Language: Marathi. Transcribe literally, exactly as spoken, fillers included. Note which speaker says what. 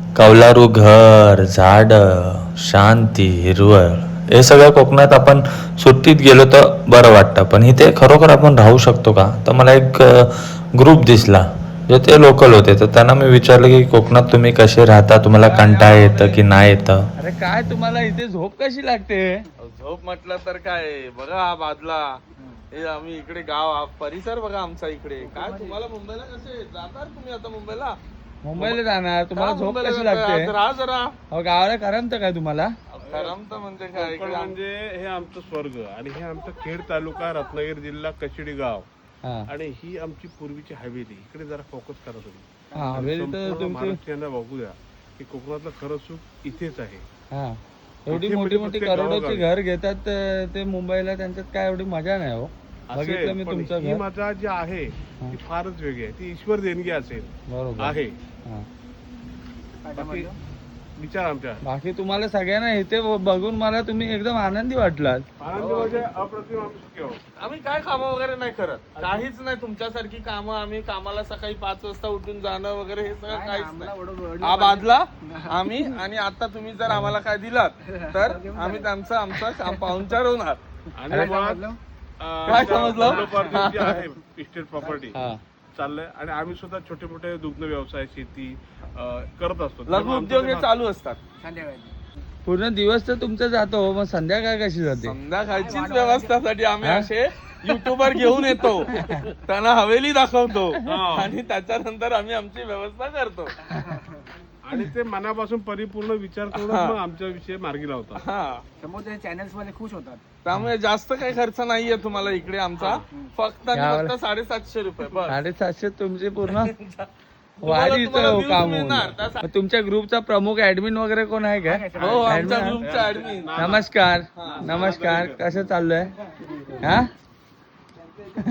Speaker 1: कौलारू घर, झाड, शांती, हिरवळ हे सगळं कोकणात आपण सुट्टीत गेलो तर बरं वाटतं. पण इथे खरोखर आपण राहू शकतो का? तर मला एक ग्रुप दिसला जे ते लोकल होते. तर त्यांना मी विचारलं की कोकणात तुम्ही कसे राहता, तुम्हाला कंटाळा येतं की नाही येतं.
Speaker 2: अरे काय तुम्हाला इथे झोप कशी लागते?
Speaker 3: झोप म्हटलं तर काय बघा हा बादला हे आम्ही इकडे गाव हा परिसर बघा आमचा इकडे. काय तुम्हाला मुंबईला कसे जाणार तुम्ही आता मुंबईला?
Speaker 2: मुंबईला जाणार तुम्हाला
Speaker 3: का
Speaker 2: झोप
Speaker 3: मुंबईला
Speaker 2: कशी
Speaker 3: जाताय?
Speaker 2: लागते?
Speaker 3: आज राहा जरा
Speaker 2: अहो गावाला करमतं काय तुम्हाला?
Speaker 3: करमत म्हणजे काय
Speaker 4: कोकण
Speaker 3: इकडे आम-
Speaker 4: म्हणजे हे आमचं स्वर्ग आणि हे आमचं खेड तालुका रत्नागिरी जिल्हा कशिडी गाव
Speaker 2: हा
Speaker 4: आणि ही आमची पूर्वीची हवेली. इकडे जरा फोकस करा तुम्ही.
Speaker 2: हा हवेली तर
Speaker 4: संपूर्ण
Speaker 2: तुमची
Speaker 4: महाराष्ट्रीयांना बघू द्या की कोकणातलं खरं सुख इथेच आहे.
Speaker 2: हा एवढी
Speaker 4: इथे
Speaker 2: मोठी
Speaker 4: म्हणजे
Speaker 2: मोठी
Speaker 4: प्रत्येक
Speaker 2: करोडोची
Speaker 4: गावागावी.
Speaker 2: घर घेतात तर ते मुंबईला त्यांच्यात काय एवढी मजा नाही हो. बघितलं
Speaker 4: असेल,
Speaker 2: मी
Speaker 4: पण
Speaker 2: तुमचं
Speaker 4: ही
Speaker 2: घर.
Speaker 4: मजा जी आहे ती फारच वेगळी आहे. ती ईश्वर देणगी असेल
Speaker 2: बरोबर
Speaker 4: आहे.
Speaker 2: हा.
Speaker 4: बाकी विचार आमच्या
Speaker 2: बाकी तुम्हाला सगळ्यांना इथे बघून मला तुम्ही एकदम आनंदी वाटलात.
Speaker 4: आनंद म्हणजे अप्रतिम आम्ही सुखी आहोत.
Speaker 3: आम्ही काय कामं वगैरे नाही करत, काहीच नाही तुमच्यासारखी कामं. आम्ही कामाला सकाळी पाच वाजता उठून जाणं वगैरे हे सगळं काहीच नाही. हा बादला आम्ही आणि आता तुम्ही जर आम्हाला काय दिलात तर आम्ही त्यांचं आमचा काम पाहुणचार होणार.
Speaker 4: आणि मग अं,
Speaker 3: काय समजलं?
Speaker 4: वडलोपार्जित जे आहे इस्टेट प्रॉपर्टी
Speaker 2: हा
Speaker 4: चाललंय आणि आम्ही सुद्धा छोटे मोठे दुग्ध व्यवसाय शेती अं, करत असतो.
Speaker 3: लघु
Speaker 4: त्यामुळे
Speaker 3: उद्योग हे
Speaker 4: आमचं
Speaker 3: चालू असतात.
Speaker 2: पूर्ण दिवस तर तुमचा जातो मग संध्याकाळ कशी जाते?
Speaker 3: संध्याकाळचीच व्यवस्थासाठी आम्ही
Speaker 2: हा?
Speaker 3: असे युट्यूबर घेऊन येतो, त्यांना हवेली दाखवतो
Speaker 4: हा.
Speaker 3: आणि त्याच्यानंतर आम्ही आमची व्यवस्था करतो.
Speaker 4: आणि ते मनापासून परिपूर्ण विचार करून
Speaker 3: हा.
Speaker 4: मग आमच्या विषय मार्गी लावतात.
Speaker 3: हा
Speaker 5: समोर चॅनल्स मध्ये खुश होतात.
Speaker 3: त्यामुळे जास्त काही खर्च नाहीये तुम्हाला इकडे आमचा. फक्त आणि
Speaker 2: यावर-
Speaker 3: फक्त साडेसातशे रुपये बस.
Speaker 2: साडेसातशे तुमची पूर्ण
Speaker 3: तुम्हाला-
Speaker 2: वाढीचं
Speaker 3: तुम्हाला views
Speaker 2: काम
Speaker 3: मिळणार.
Speaker 2: होणार.
Speaker 3: त्यासाठी-
Speaker 2: मग तुमच्या ग्रुपचा प्रमुख ऍडमिन वगैरे कोण आहे का?
Speaker 3: हो आमच्या
Speaker 2: Admin?
Speaker 3: ग्रुपचा ऍडमिन.
Speaker 2: नमस्कार नमस्कार कसं चाललंय हा